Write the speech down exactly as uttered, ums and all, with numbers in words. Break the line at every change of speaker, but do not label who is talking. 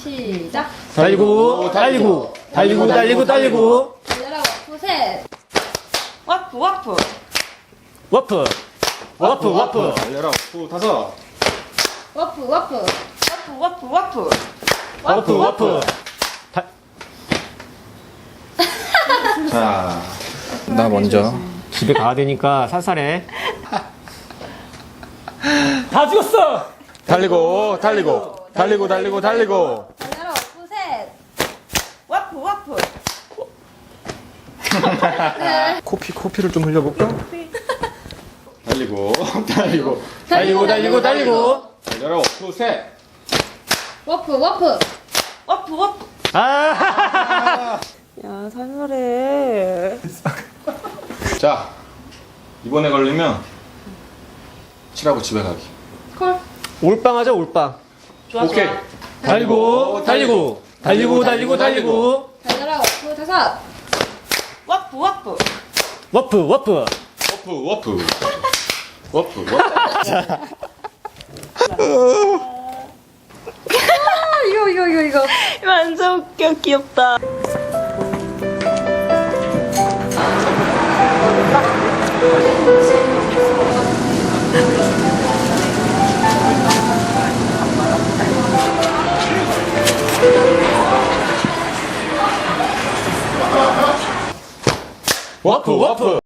시작.
달리고, 달리고, 달리고, 달리고, 달리고.
달려라 워프 셋.
와프 와프
워프, 워프, 워프.
달려라 워프 다섯.
워프 워프.
와프 와프 와프
워프, 워프. 다,
자, 나 먼저.
집에 가야 되니까 살살해. 다 죽었어!
달리고, 달리고, 달리고, 달리고, 달리고.
달려라 워프 셋.
와프 와프
코피, 코피를 좀 흘려볼까? 달리고, 달리고,
달리고, 달리고, 달리고.
달려라 워프 셋.
워프 워프.
와프 와프
아,
야 살벌해.
자, 이번에 걸리면 칠하고 집에 가기.
콜.
올빵 하자, 올빵.
좋아
오케이.
좋아.
달리고, 달리고, 달리고, 달리고, 달리고.
달려라 워프 다섯.
와프 와프
워프, 워프.
워프, 워프. 워프, 워프.
아 이거 이거 이거 이거.
완전 웃겨 귀엽다.
워프, 워프.